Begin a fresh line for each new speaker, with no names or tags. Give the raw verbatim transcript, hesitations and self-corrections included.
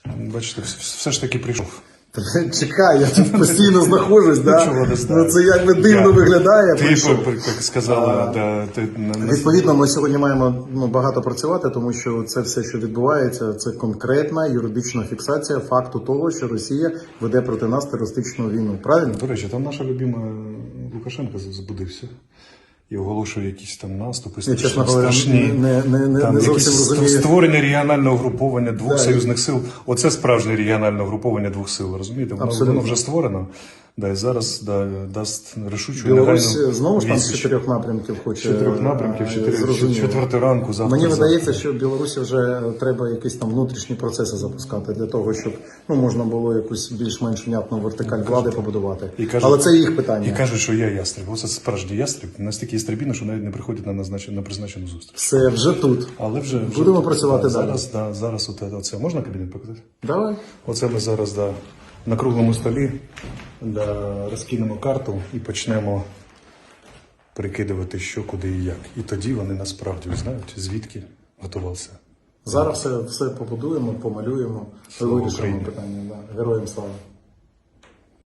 Бачите, все ж таки прийшов.
Чекай, я тут постійно знаходжусь, да?
Чого не знаю.
Ну це якби дивно
Я-
виглядає.
Ти,
прийшов.
як сказала, да, ти, на- на-
Відповідно, ми сьогодні маємо ну, багато працювати, тому що це все, що відбувається, це конкретна юридична фіксація факту того, що Росія веде проти нас терористичну війну. Правильно?
До речі, там наша любима Лукашенко збудився і оголошує якісь там наступи,
Я, чесно говоря,
страшні.
не, не, не,
Там
не зовсім
якісь
розумію.
створення регіонального груповання двох
Да.
союзних сил. Оце справжнє регіональне груповання двох сил, розумієте? Воно,
Абсолютно.
воно вже створено. Да, і зараз да, дасть рішучу
Білорусь
негайну
знову ж там з
відсіч.
чотирьох напрямків хоче.
чотирьох напрямків,
е,
чотири,
зрозуміло.
четверту ранку, завтра.
Мені
завтра.
видається, що Білорусі вже треба якісь там внутрішні процеси запускати для того, щоб ну можна було якусь більш-менш внятну вертикаль влади побудувати.
І кажуть-
Але це їх питання.
І кажуть, що я ястреб. Оце справжній ястреб. Настільки ястребіно, що навіть не приходять на назначену, на призначену зустріч.
Все вже тут.
Але вже, вже
Будемо
тут,
працювати
да,
далі.
Зараз, да, зараз оте, оце. Можна кабінет показати?
Давай.
Оце ми зараз да, на круглому столі да, розкинемо карту і почнемо прикидувати, що, куди і як. І тоді вони насправді знають, звідки готувався.
Зараз все, все побудуємо, помалюємо,
Слава
вирішимо
Україні.
питання. Да. Героям слава.